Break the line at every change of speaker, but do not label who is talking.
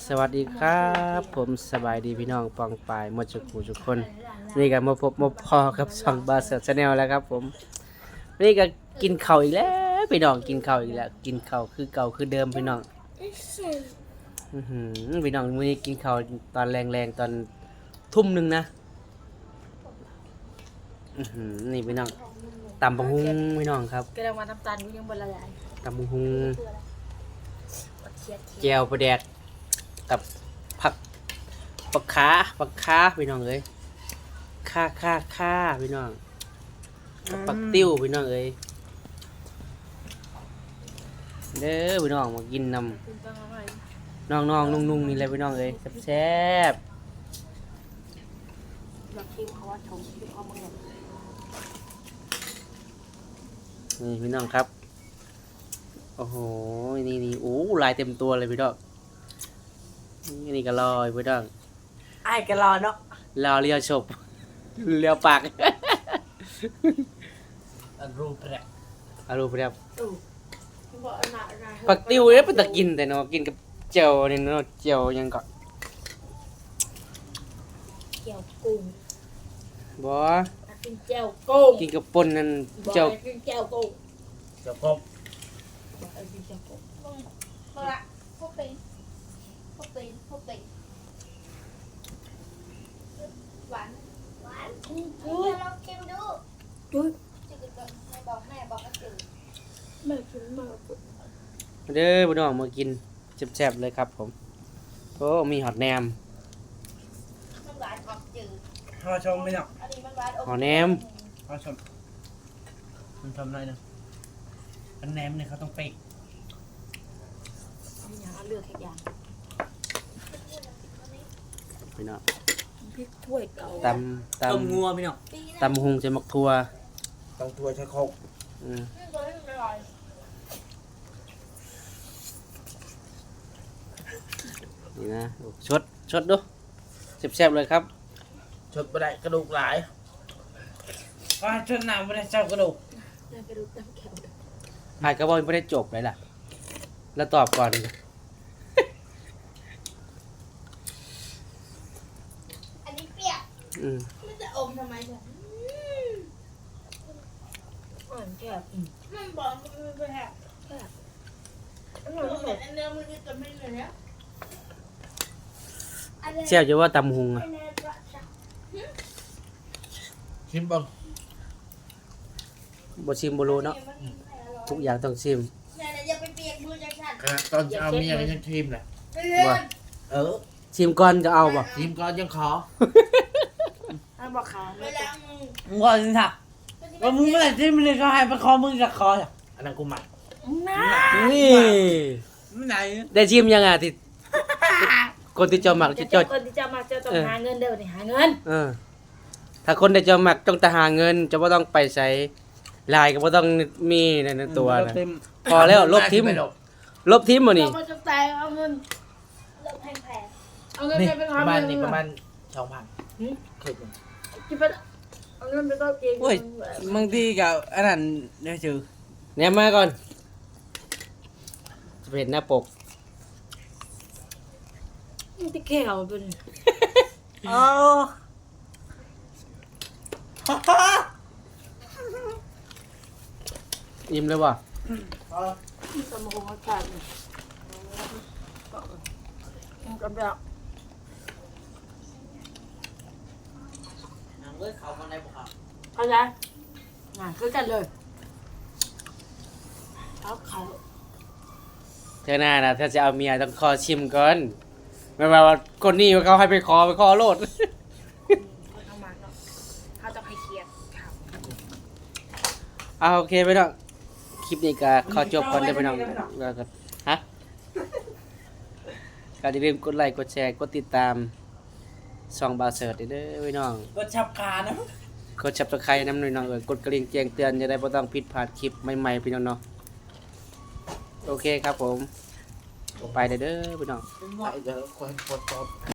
สวัสดีครับผมสบายดีพี่น้องปองปายหมดทุกคนนี่ก็มาพบมาพอกับช่องบาเซอร์ชาแนลแล้วครับผมนี่ก็กินข้าวอีกแล้วพี่น้องกินข้าวอีกแล้วกินข้าวคือเก่าคือเดิมพี่น้องพี่น้องมื้อนี้กินข้าวตอนแรงๆตอนทุ่มหนึงนะนี่พี่น้องตำบักหุ่งพี่น้องครับ
กระดังมาน้ำตาลกูยังบละลาย
ตำบักหุ่งแจ่วปลาแดกกับผักปักขาพี่น้องเอ้ยค่าพี่น้องกับปักติ้วพี่น้องเอ้ยเด้อพี่น้องมากินนำน้องนุ่งนี่แหละพี่น้องเอ้ยแซ่บ
อยากชิมเขาว่าชมชิมเขาเมือง
นี่พี่น้องครับโอ้โหนี่โอ้ลายเต็มตัวเลยพี่น้องนี่ก็ลอยพี่น้อง
ไอ้กะรอเนาะ
รอเลียวฉบเลียวปาก
รูปแรก
ปักติ้วเนี่ยเป็นตะกินแต่เนาะกินกับเจียวนี่เนาะเจียวยังก่อน
เจียวกุ้ง
บ่
กินเจียวกุ้ง
กินกับป่นนั่นเจียว
กินเจียวกุ้ง
กินเจียวกุ้ง
มาละพวกเป็นหวาน
ลองชิมดู
จุ๊ย
จืดก่อนแม่บอกก็จืด
แม่ชิมมาก
เด้อพี่น้องมากินแซ่บๆเลยครับผมโอ้มีหอดแหนม
มันหวานออกจืด
ข้าวชมไหมเนาะ
อันนี้มันหวานออก
หอดแหนม
ข้าวชมมันทำอะไรนะอันแหนมเนี่ยเขาต้องเป๊ก
อย่างเอาเลือกแค่อย่าง
พี่น้อง
พริกถ้วยเก่า
ต
ต้มงัวพี่เนาะ
ตำหุงใส่หมกทั่ว
ต้องตัวใช้โคก
นี่นะชดดูแซ่บๆเลยครับ
ชดไปได้กระดูกหลายว่าชดหนาวไม่ได้เจ้ากระดูก
กระดูกตั้งแขว
หายกระบอกไม่ได้จบเลยล่ะแล้วตอบก่อน
อันนี้เปรี้ยวมันจะอมทำไมเนี่ย
อ่อนแก้ว
มันบอกมันไม่แพ้มันเหมือนอันเนื้อมันจะไม่เหมือนเนี้ย
เชี่ยวจะว่าตำหุงอะ
ชิมบ้าง
บ่ชิมบ่รู้เนาะทุกอย่างต้องชิม
อย่าไปเปียกมือจากฉัน
ขนาดตอนจะเอาเมียก็ยังชิมแหละ
ว่าชิมก่อนจะเอาบ่
ชิมก่อนยังขอ
ให้บอกเขา
เวลามึง
มึงก่อนสิค่ะว่ามึงเมื่อไหร่ชิมเลยก็ให้ไปคอมึงกับคออันนั้นกูหมัก
นี่
ไม่ไหน
ได้ชิมยังอ่ะที่คนที่จะหมักจะ
คนที่จะมาจะต้องหาเงินเดี๋ยวนี้หาเงิน
ถ้าคนที่จะหมักต้องแต่หาเงินจะบ่ต้องไปใช้ลายก็บ่ต้องมีในตัวนะพอแล้วลบทิมบ่นี่
เราจะตายเอาเงิน
แพง
เอาเงินไป
ประมาณนี้ประมาณ2,000คิด
คิดไปเอาเงินไปก็เก่ง
โอ้ยบางทีกับอันนั้นเนี่ยจือ
เนี่ยมาก่อนจะเห็นหน้าปก
มันจะแข็งเป็น
ยิ้มเลยว่ะ
สมองอากาศกับแบบ
เขามาในบุคคล
เข้าใจคือกันเลยเขา
เธอหน้านะถ้าจะเอาเมียต้องขอชิมก่อนไม่ว่าคนนี้เขาให้ไปขอโลด
เขาต้องมาเนาะเขาต้องให้เคลียร์
เอาโอเคไปเนาะคลิปนี้ก็ขอจบก่อนได้ไปน้องแล้วก็ฮะก็อย่าลืมกดไลค์กดแชร์กดติดตามช่องบาเสิร์ตเด้อพี่น้อง
กดชับขานะ
กด Subscribe นำหน่อยน้องกดกระดิ่งแจ้งเตือนจะได้บ่ต้องผิดพลาดคลิปใหม่ๆพี่น้องเนาะโอเคครับผมไปเด้อพี่น้อง
ไปเดี๋ยวคนกด